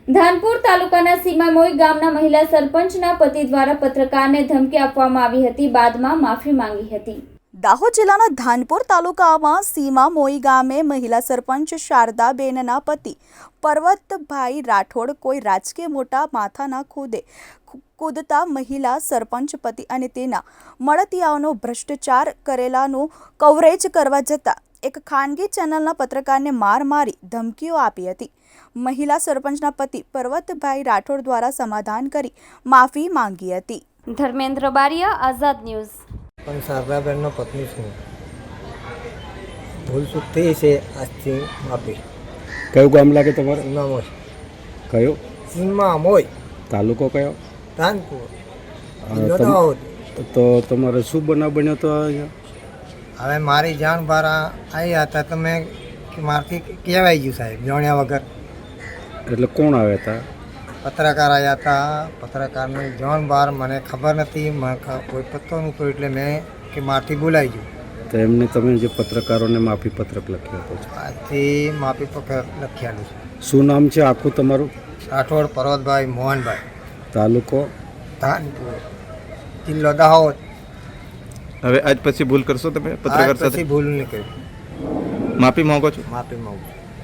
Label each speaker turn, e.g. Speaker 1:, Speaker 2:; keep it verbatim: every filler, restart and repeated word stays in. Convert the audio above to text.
Speaker 1: ધાનપુર તાલુકાના સીમામોઈ ગામના મહિલા સરપંચના પતિ દ્વારા પત્રકારને ધમકી આપવામાં આવી હતી, બાદમાં માફી માંગી હતી।
Speaker 2: દાહોદ જિલ્લાના ધાનપુર તાલુકામાં સીમામોઈ ગામે મહિલા સરપંચ શારદાબેનના પતિ પર્વતભાઈ રાઠોડ કોઈ રાજકીય મોટા માથાના ખુદે કૂદતા મહિલા સરપંચ પતિ અને તેના મળતિયાઓનો ભ્રષ્ટાચાર કરેલાનું કવરેજ કરવા જતાં એક ખાનગી ચેનલના પત્રકારને માર મારી ધમકીઓ આપી હતી। મહિલા સરપંચના પતિ પર્વતભાઈ રાઠોડ દ્વારા સમાધાન કરી માફી માંગી હતી।
Speaker 1: ધર્મેન્દ્ર બારિયા, આઝાદ ન્યૂઝ।
Speaker 3: પણ શારદાબેનનો પત્ની છું, ભૂલ ચૂક થઈ છે, આજથી માફી।
Speaker 4: કયું ગામ લાગે તમારે?
Speaker 3: સીમામોઈ।
Speaker 4: કયો?
Speaker 3: સીમામોઈ,
Speaker 4: તાલુકો કયો?
Speaker 3: ધાનપુર,
Speaker 4: અ,
Speaker 3: જિલ્લો
Speaker 4: તમ-
Speaker 3: દાહોદ।
Speaker 4: તો તમારે શું બનાવ બન્યો તો અહીંયા?
Speaker 3: હવે મારી જાણ બહાર આવ્યા હતા તો મેં મારથી કહેવાઈ ગયું સાહેબ, જાણ્યા વગર।
Speaker 4: એટલે કોણ આવ્યા હતા?
Speaker 3: પત્રકાર આવ્યા હતા, પત્રકારની જાણ બહાર મને ખબર નથી, મને ખ- કોઈ પત્તો નહોતો, એટલે મેં કે મારથી બોલાઈ ગયું।
Speaker 4: તો એમને તમે જે પત્રકારોને માફી પત્રક લખ્યો હતો,
Speaker 3: આજથી માફી પત્ર લખ્યાલું છે।
Speaker 4: શું નામ છે આખું તમારું?
Speaker 3: રાઠોડ પર્વતભાઈ મોહનભાઈ,
Speaker 4: તાલુકો?
Speaker 3: ધાનપુર, જિલ્લો દાહોદ।
Speaker 5: હવે આજ પછી ભૂલ કરશો તમે
Speaker 3: આજ
Speaker 5: પત્રકાર
Speaker 3: પછી
Speaker 5: સાથે?
Speaker 3: ભૂલ નહીં કરી,
Speaker 5: માફી માંગો છો?
Speaker 3: માફી માંગુ છું।